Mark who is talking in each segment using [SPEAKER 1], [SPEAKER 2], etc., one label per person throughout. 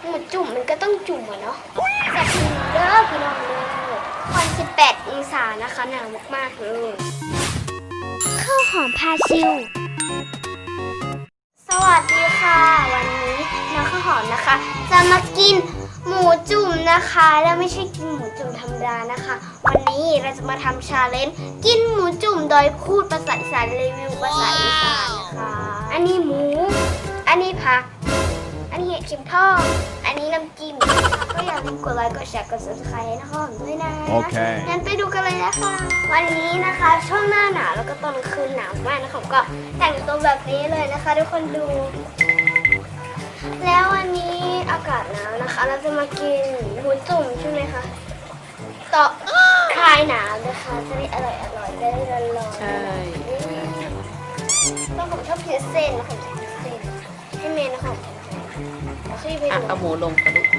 [SPEAKER 1] หมูจุ่มมันก็ต้องจุ่มอะเนาะแต่ทีนี้เด้อพี่น้องเด้อวัน18 องศานะคะหนาวมากๆเลยข้าวหอมพาชิวสวัสดีค่ะวันนี้น้องข้าวหอมนะคะ จะมากินหมูจุ่มนะคะแล้วไม่ใช่กินหมูจุ่มธรรมดานะคะ วันนี้เราจะมาทำชาเลนจ์กินหมูจุ่มโดยพูดภาษาอีสานรีวิวภาษาอีสานนะคะอันนี้หมูอันนี้ผักอันนี้เห็ดเข็มทองอันนี้น้ำจิ้มก็อย่าลืมกดไลค์กดแชร์กด subscribe ให้นะคะด้วยนะโอเคงั้นไปดูกันเลยนะคะวันนี้นะคะช่วงหน้าหนาวแล้วก็ตอนคืนหนาวมากนะคะก็แต่งตัวแบบนี้เลยนะคะทุกคนดูแล้ววันนี้อากาศหนาวนะคะเราจะมากินหมูจุ่มใช่ไหมคะต่อคลายหนาวนะคะจะได้อร่อยได้ร้อนๆใช่ต้องผมชอบกินเส้นนะผมชอบกินเส้นให้เมย์นะคะ
[SPEAKER 2] เอาหมูลงกระดูก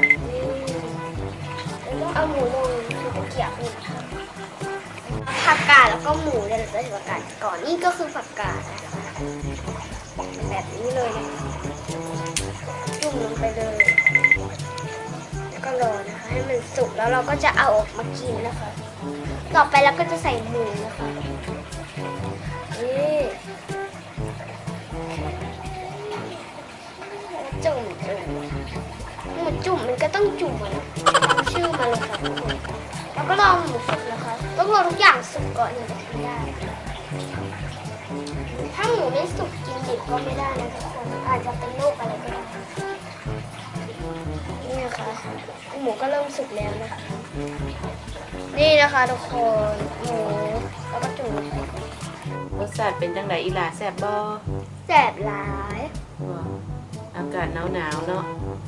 [SPEAKER 1] ต้องเอาหมูลงคือตะเกียบนี่ผักกาดแล้วก็หมูเดี๋ยวเราจะใส่ผักกาดก่อนนี่ก็คือผักกาดนะคะแบบนี้เลยนะจุ่มลงไปเลยแล้วก็รอนะคะให้มันสุกแล้วเราก็จะเอาออกมากินนะคะต่อไปเราก็จะใส่หมูนะคะนี่จุ่มหมูจุ่มมันก็ต้องจุ่มอะนะตามชื่อมาเลยค่ะทุกคนแล้วก็รอหมูสุกนะคะต้องรอทุกอย่างสุกก่อนถึงจะกินได้ถ้าหมูไม่สุกกินดิบก็ไม่ได้นะทุกคนอาจจะเป็นโรคอะไรก็ได้นี่นะคะหมูก็เริ่มสุกแล้วนะคะนี่นะคะทุกคนหมูแล้วก็จุ่มลงไป
[SPEAKER 2] รสชาติเป็นจังไดอีหลาแซ่บบ่
[SPEAKER 1] แสบหลาย
[SPEAKER 2] อากาศหนาวเนาะ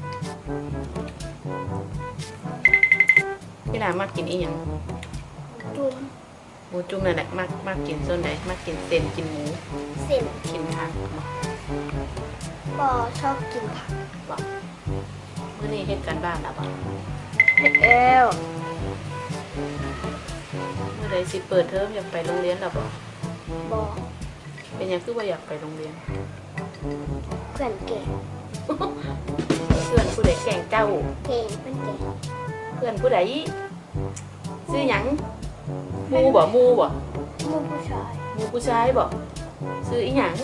[SPEAKER 2] อีหลามักกินอีหยัง
[SPEAKER 1] จุ่ม
[SPEAKER 2] หมูจุ่มนั่นแหละมักกินส่วนใดมักกินเส้นกินหมู
[SPEAKER 1] เส้น
[SPEAKER 2] กินผัก
[SPEAKER 1] บ่ชอบกินผัก
[SPEAKER 2] บ่มื้อนี้เฮ็ดการบ้านแล้วบ่
[SPEAKER 1] เฮ็ดเอว
[SPEAKER 2] มื้อใดสิเปิดเทอมอยากไปโรงเรียนแล้วบ่
[SPEAKER 1] บ่
[SPEAKER 2] เป็นหยังคือบ่อยากไปโรงเรียน
[SPEAKER 1] เพื่อนเก่ง
[SPEAKER 2] เพื่อนผู้ใดแกล้งเจ้า
[SPEAKER 1] เก่งเพื่อนเก่ง
[SPEAKER 2] เพื่อนผู้ใดชื่อหยังมูบ่
[SPEAKER 1] มูผู้ชาย
[SPEAKER 2] บ่ชื่ออีหยัง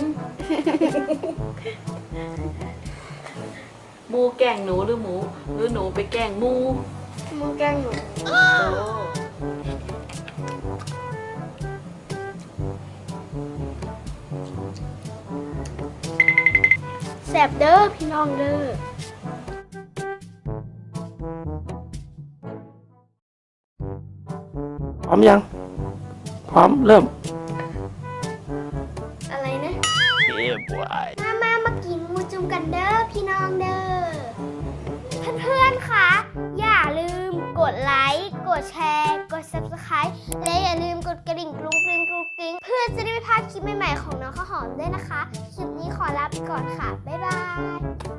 [SPEAKER 2] มูแกล้งหนูหรือหนูไปแกล้งมู
[SPEAKER 1] แกล้งหนูแซ่บเด้อพี่น้องเด้อ
[SPEAKER 3] พร้อมยังพร้อมเริ่ม
[SPEAKER 1] อะไรนะ
[SPEAKER 3] บวย
[SPEAKER 1] มากินหมูจุ่มกันเด้อพี่น้องเด้อเพื่อนๆคะอย่าลืมกดไลค์กดแชร์กด subscribe และอย่าลืมกดกระดิ่งกรุ้งกริ้งเพื่อจะได้ไม่พลาดคลิปใหม่ๆของน้องข้าวหอมด้วยนะคะคลิปนี้ขอลาไปก่อนค่ะบ๊ายบาย